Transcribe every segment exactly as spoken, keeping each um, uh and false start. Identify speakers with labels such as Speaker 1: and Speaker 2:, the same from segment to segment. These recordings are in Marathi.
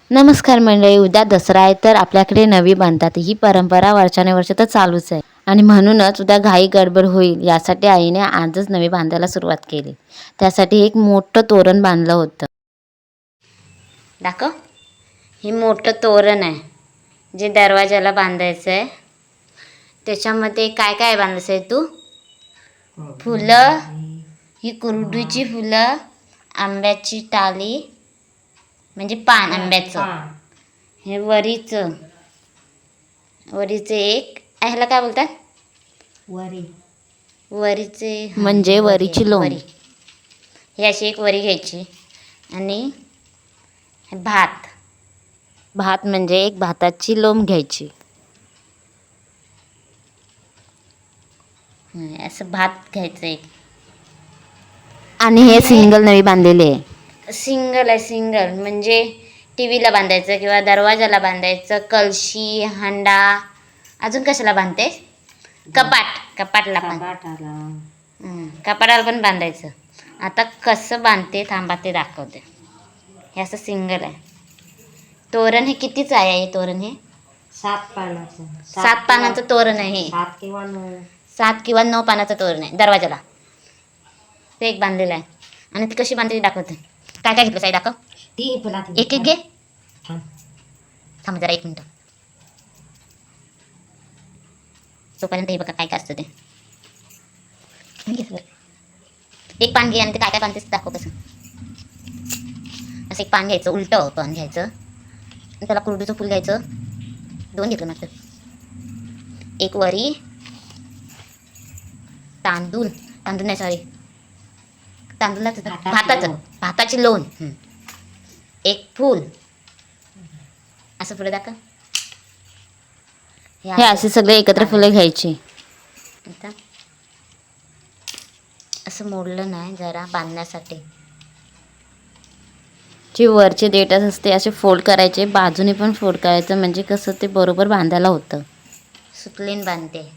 Speaker 1: नमस्कार मंडळी, उद्या दसरा आहे तर आपल्याकडे नवी बांधतात. ही परंपरा वर्षानुवर्ष तर चालूच आहे आणि म्हणूनच उद्या घाई गडबड होईल यासाठी आईने आजच नवी बांधायला सुरुवात केली. त्यासाठी एक मोठं तोरण बांधलं होतं.
Speaker 2: दाखव, हे मोठं तोरण आहे जे दरवाजाला बांधायचं आहे. त्याच्यामध्ये काय काय बांधायचं आहे तू? फुलं, ही कुरडूची फुलं, आंब्याची टाली म्हणजे पान आंब्याचं, हे वरीचं वरीचं एक ह्याला काय बोलतात?
Speaker 3: वरी.
Speaker 2: वरीचे
Speaker 1: म्हणजे वरीची लोण.
Speaker 2: वरी. ही अशी एक वरी घ्यायची आणि भात
Speaker 1: भात म्हणजे एक भाताची लोंब घ्यायची.
Speaker 2: असं भात घ्यायचं एक.
Speaker 1: आणि हे सिंगल नवी बांधलेले आहे.
Speaker 2: सिंगल आहे, सिंगल म्हणजे टी व्हीला बांधायचं किंवा दरवाजाला बांधायचं. कलशी, हांडा, अजून कशाला बांधते? कपाट, कपाटला पण कपाटाला पण बांधायचं. आता कसं बांधते थांबा ते दाखवते. हे असं सिंगल आहे. तोरण हे कितीच आहे? हे तोरण हे
Speaker 3: सात पानाचं
Speaker 2: सात पानाचं तोरण आहे. हे
Speaker 3: सात किंवा नऊ
Speaker 2: सात किंवा नऊ पानाचं तोरण आहे दरवाजाला. ते एक बांधलेलं आहे. आणि ती कशी बांधते दाखवते. काय काय घेतलं साई दाखव.
Speaker 3: ती
Speaker 2: एक एक घे. थांब जरा एक मिनटं. तोपर्यंत हे बघा काय काय असतं ते. एक पान घे आणि ते काय काय बांधतेस दाखव कसं. असं एक पान घ्यायचं, उलटं पान घ्यायचं, त्याला कुरडूचं फुल घ्यायचं. दोन घेतलं नसतं. एक वरी, तांदूळ तांदूळ नाही सॉरी तांदूळाचं भाताचं भाताची लोण, एक फूल. असं पुढे दाखव.
Speaker 1: हे असे सगळे एकत्र फुलं घ्यायची.
Speaker 2: आता असं मोडलं नाही जरा बांधण्यासाठी.
Speaker 1: जे वरचे देठ असते असे फोल्ड करायचे, बाजूने पण फोल्ड करायचं म्हणजे कसं ते बरोबर बांधायला होतं.
Speaker 2: सुतलीन बांधते.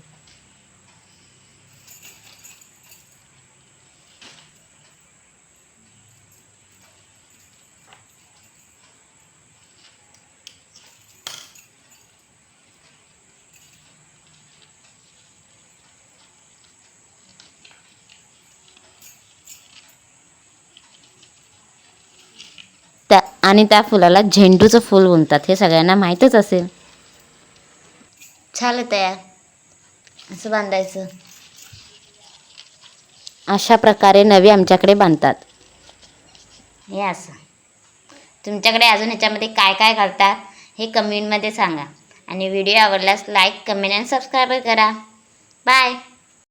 Speaker 1: त्या आणि त्या फुलाला झेंडूचं फूल म्हणतात, हे सगळ्यांना माहीतच असेल.
Speaker 2: झालं तयार. असं बांधायचं.
Speaker 1: अशा प्रकारे नवी आमच्याकडे बांधतात.
Speaker 2: हे असं. तुमच्याकडे अजून ह्याच्यामध्ये काय काय घालतात हे कमेंटमध्ये सांगा. आणि व्हिडिओ आवडल्यास लाईक, कमेंट आणि सबस्क्राईब करा. बाय.